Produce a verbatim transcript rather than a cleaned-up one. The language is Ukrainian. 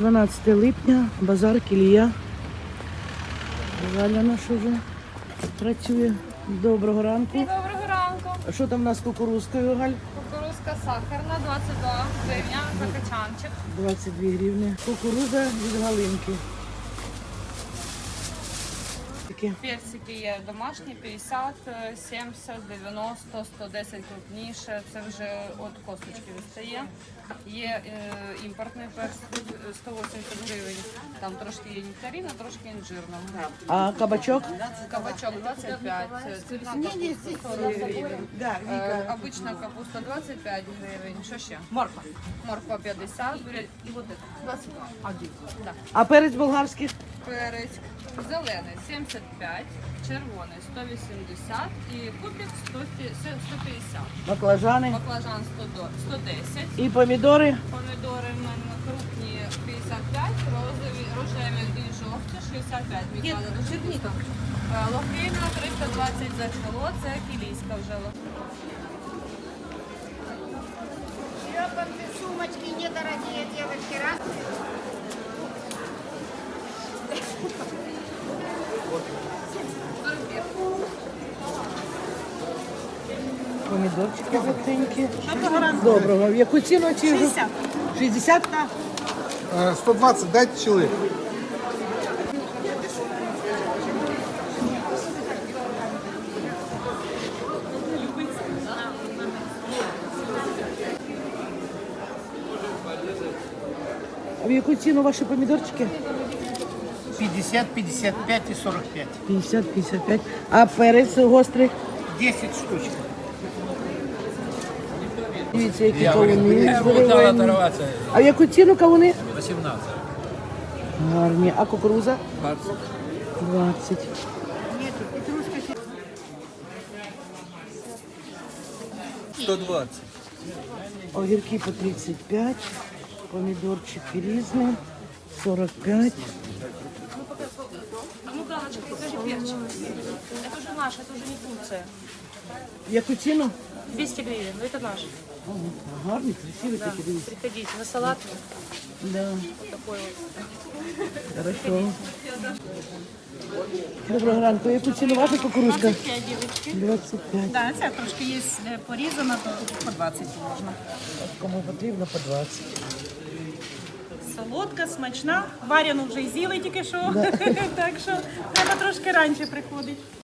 дванадцяте липня, базар Кілія. Галя наша вже працює. Доброго ранку. Доброго ранку. А що там у нас з кукурузкою, Галь? Кукурузка сахарна, двадцять два гривня за качанчик. двадцять дві гривні. Кукуруза від Галинки. Таке. Персики є домашні, п'ятдесят, сімдесят, дев'яносто, сто десять крупніше. Це вже від косточки відстає. Є е, імпортний персик, сто вісімдесят гривень. Там трошки є нектарина, трошки інжирного. А кабачок? Кабачок двадцять п'ять, цвітна капуста сорок гривень. Е, обична капуста двадцять п'ять гривень. Що ще? Морква. Морква п'ятдесят, і вот это двадцять два. Да. А перець болгарський? Перець зелений сімдесят п'ять, червоний сто вісімдесят і кубик сто п'ятдесят. Баклажани. Баклажан сто десять. І помідори? Помідори в мене крупні п'ятдесят п'ять, розові, рожеві і жовті шістдесят п'ять. Мікада дуже вкусно. Е, Лохина триста двадцять за кіло, це кілійська вже лохина. Шлепанцы, сумочки недорогие, девочки, раз. Помідорчики жовтенькі. Доброго. В яку ціну ці? шістдесят. шістдесят? Е, сто двадцять, дайте чоловік. А в яку ціну ваші помідорчики? пятьдесят, пятьдесят пять и сорок пять. п'ятдесят п'ятдесят п'ять. А перець гострий? десять штучек. Дивіться, які кавуни здоровенні. А в яку ціну кавуни? вісімнадцять. Гарні. А кукуруза? двадцять. сто двадцять. Огірки по тридцять п'ять. Помідорчики різні. сорок п'ять. А ну, Галочка, покажи перчик. Это уже наш, это уже не Турция. В яку ціну? двести гривен, но это наш. Гарні, красиві такі, дивіться. Приходите на салат. Да. Такой вот. Хорошо. Доброго ранку. Яку ціну ваша кукурузка? двадцать пять, девочки. двадцять п'ять. Да, це трошки є е, порізано, то по двадцять можна. Кому потрібно по двадцять. Солодка, смачна. Варяну вже й з'їли тільки що. Так що треба трошки раніше приходити.